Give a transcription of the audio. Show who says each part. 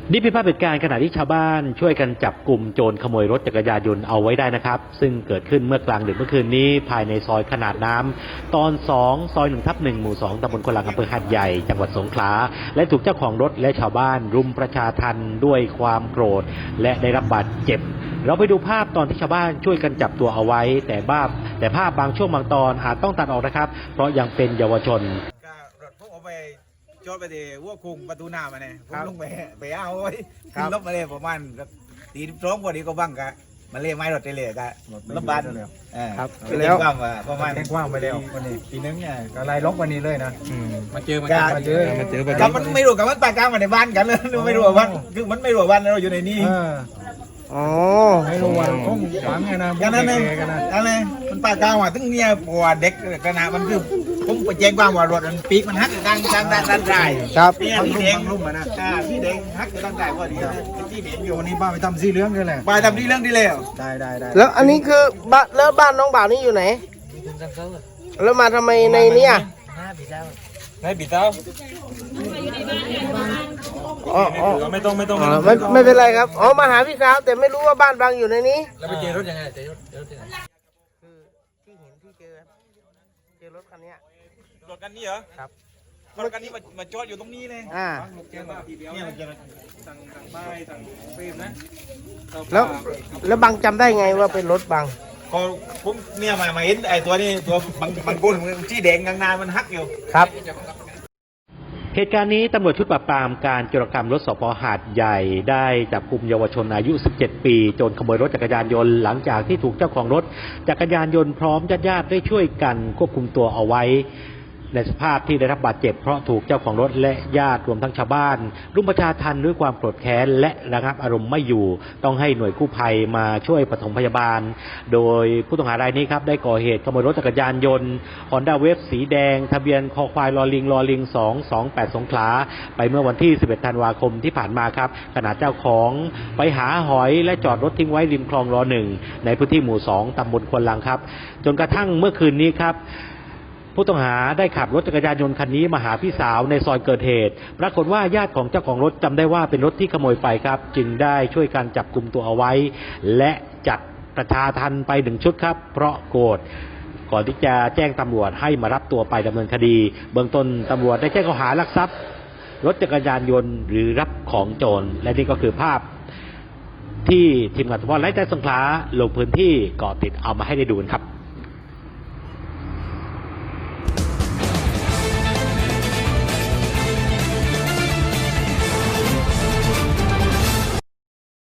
Speaker 1: นี่เป็นภาพเหตุการณ์ขณะที่ชาวบ้านช่วยกันจับกลุ่มโจรขโมยรถจักรยานยนต์เอาไว้ได้นะครับซึ่งเกิดขึ้นเมื่อกลางดึกเมื่อคืนนี้ภายในซอยขนาดน้ำตอน2ซอย1/1หมู่2ตำบลควนลังอำเภอหาดใหญ่จังหวัดสงขลาและถูกเจ้าของรถและชาวบ้านรุมประชาทัณฑ์ด้วยความโกรธและได้รับบาดเจ็บเราไปดูภาพตอนที่ชาวบ้านช่วยกันจับตัวเอาไว้แต่ภาพบางช่วงบางตอนอาจต้องตัดออกนะครับเพราะยังเป็นเยาวชน
Speaker 2: รถพวกเอาไปจอดไปที่วัวคุงประตูหน้ามาเนี่ยผมลงไปเอาไว้ขึ้นรถมาเลยประมาณตีร้องพอดีก็บ้างกะมาเล่ไม้รถเลยกะรถบัส
Speaker 3: ครับ
Speaker 2: แล้วประมาณ
Speaker 3: แจ้งกว้างไปแล้ววันนี้ปีนึงเนี่ยก็ไล่ล็อกวันนี้เลยนะมาเจอ
Speaker 2: กับมันไม่รู้กับมันปากกลางมาในบ้านกันเลยไม่รู้ว่าวันคือมันไม่รู้ว่าวันเราอยู่ในนี้
Speaker 3: อ๋อไม่รู้ว่าคงฝังไงนะ
Speaker 2: กันนั่นเองอะไรมันปากกลางว่าถึงเนี่ยปวดเด็กขนาดมันคือผมไปแจ้งความว่ารถมันปีกมันหักด้านใต้
Speaker 3: ครับ
Speaker 2: เนี่ยพี่เด้งลุ่มนะพี่เด้งหักด้านใต้พอดีที่เด้งอยู่
Speaker 3: วันนี้บ้าไปทำสีเหลืองกันเลย
Speaker 2: ไปทำที่เรื่องที่แล้ว
Speaker 3: ได้
Speaker 4: แล้วอันนี้คือบ้านน้องบ่าวนี่อยู่ไหนแล้วมาทำไมในนี้อ่ะ
Speaker 3: ในบีเต้าไม่ต้อง
Speaker 4: ไม่เป็นไรครับอ๋อมาหาพี่สาวแต่ไม่รู้ว่าบ้านบางอยู่ในนี้
Speaker 3: แล้วไปเจอรถยังไงเจอรถยังไง
Speaker 4: คือที่เห็นที่เจอรถคันนี้
Speaker 2: รถคันนี้เหรอ
Speaker 4: ครับ
Speaker 2: รถคันนี้มาจอดอยู่ตรงนี้เลยเนี่ยมันจะสั่งป้ายสั่งเฟรมนะ
Speaker 4: แล้วบางจำได้ไงว่าเป็นรถบาง
Speaker 2: ก็ผมเนี่ยมาเห็นไอ้ตัวนี้ตัวบางคนที่แดงกลางนามันหักอยู่
Speaker 4: ครับ
Speaker 1: เหตุการณ์นี้ตำรวจชุดปราบปรามการโจรกรรมรถสภ.หาดใหญ่ได้จับกุมเยาวชนอายุ17ปีโจรขโมยรถจักรยานยนต์หลังจากที่ถูกเจ้าของรถจักรยานยนต์พร้อมญาติๆได้ช่วยกันควบคุมตัวเอาไว้ในสภาพที่ได้รับบาดเจ็บเพราะถูกเจ้าของรถและญาติรวมทั้งชาวบ้านรุมประชาทัณฑ์ด้วยความโกรธแค้นและระงับอารมณ์ไม่อยู่ต้องให้หน่วยกู้ภัยมาช่วยปฐมพยาบาลโดยผู้ต้องหารายนี้ครับได้ก่อเหตุขโมยรถจักรยานยนต์ Honda Wave สีแดงทะเบียนคอควายลอลิง228สงขลาไปเมื่อวันที่11ธันวาคมที่ผ่านมาครับขณะเจ้าของไปหาหอยและจอดรถทิ้งไว้ริมคลองร1ในพื้นที่หมู่2ตำบลควนลังครับจนกระทั่งเมื่อคืนนี้ครับผู้ต้องหาได้ขับรถจักรยานยนต์คันนี้มาหาพี่สาวในซอยเกิดเหตุปรากฏว่าญาติของเจ้าของรถจำได้ว่าเป็นรถที่ขโมยไปครับจึงได้ช่วยกันจับกุมตัวเอาไว้และจัดประชาทัณฑ์ไป1ชุดครับเพราะโกรธก่อนที่จะแจ้งตำรวจให้มารับตัวไปดำเนินคดีเบื้องต้นตำรวจได้แจ้งข้อหาลักทรัพย์รถจักรยานยนต์หรือรับของโจรและนี่ก็คือภาพที่ทีมงานสปอร์ตไลท์ใจสงขลาลงพื้นที่เกาะติดเอามาให้ได้ดูกันครับ